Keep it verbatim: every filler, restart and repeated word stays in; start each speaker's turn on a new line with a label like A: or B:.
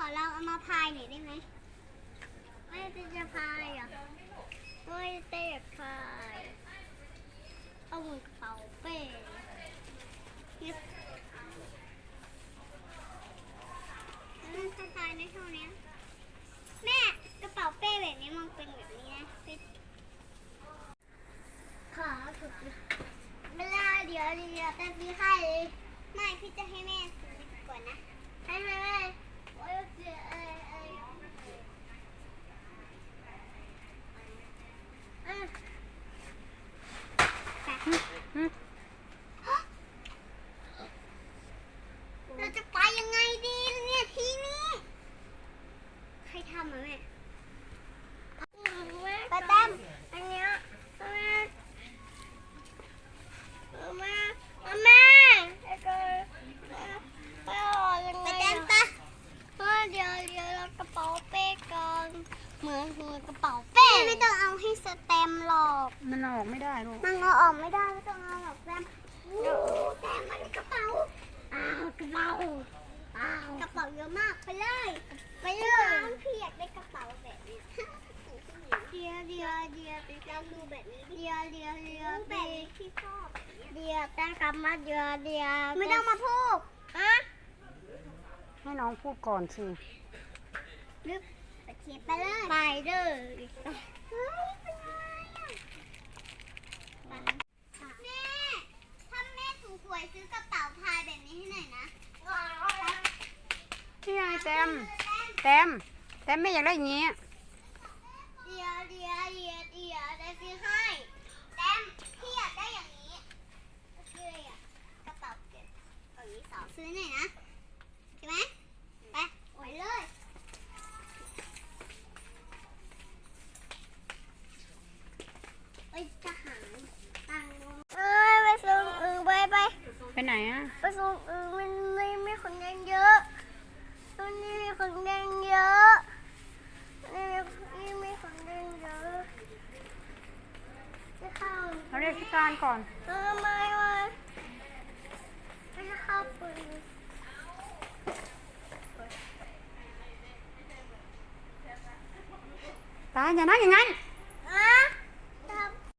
A: อลองเอามาพายหน่อยได้ไหมไม่จะจะพายอ่ะไม่เตะพายเอามือกระเป๋าเป้ยึดมันจะพายในเท่านี้แม่กระเป๋าเป้แบบนี้มันเป็นแบบนี้นะขาสุดเวลาเดี๋ยวเดี๋ยวแต่พี่ให้เลยไม่พี่จะให้แม่ซื้อก่อนนะให้แม่แม่โอ้ยเสียเอ้ยเอ้ยเอ้ยเราจะไปยังไงดีเนี่ยทีนี้ใครทำอ่ะแม่ป้าแต้มอันเนี้ยแม่แม่แม่ไปออกยังไงอ่ะเดี๋ยวเดี๋ยวเรากระเป๋าเป้กันเหมือนเหมือนกระเป๋าเป้ไม่ต้องเอาให้สแตมหรอก
B: มันออกไม่ได้ลูก
A: มันเอาออกไม่ได้ไม่ต้องเอาหรอกแต้มโอ้แต้มมันกระเป๋าอ้าวกระเป๋าอ้าวกระเป๋าเยอะมากไปเลยไปเลยพี่อยากได้กระเป๋าแบบนี้เดียวเดียวเดียวไปลองดูแบบนี้เดียวเดียวเดียวแบบที่ชอบเดียวแต่กลับมาเดียวเดียวไม่ต้องมาพูดอะ
B: ให้น้องพูดก่อนสิ
A: ลึกไปเขียนไปเลยไปเลยเฮ้ยเป็นไงอ่ะแม่ถ้าแม่ถูกหวยซื้อกระเป๋าพายแบบนี้ให้หน่อยนะ
B: นี่ไงแต้มแต้มแต้มไม่อยากได้อย่างนี้
A: เดียวเดียวเดียวเดียวได้ซื้อให้แต้มพี่อยากได้อย่างนี้ซื้อเลยอ่ะกระเป๋าเก็บอย่างนี้สองซื้อหน่อยนะใช่ไหมไปโอ้ยเลยเอ้ยทหารตังเอ้ยไปส่งอึ่งไปไป
B: ไปไหนอ่ะ
A: ไปส่งอึ่งมันไม่ไม่คนแดงเยอะตรงนี้มีคนแดงเยอะนี่นี่มีคนแดงเยอะจะเข้า
B: เราเรียกพี่การก่อน
A: ทำไมวะไม่จะเข้าปืน
B: ตาอย่านั่งอย่างนั้น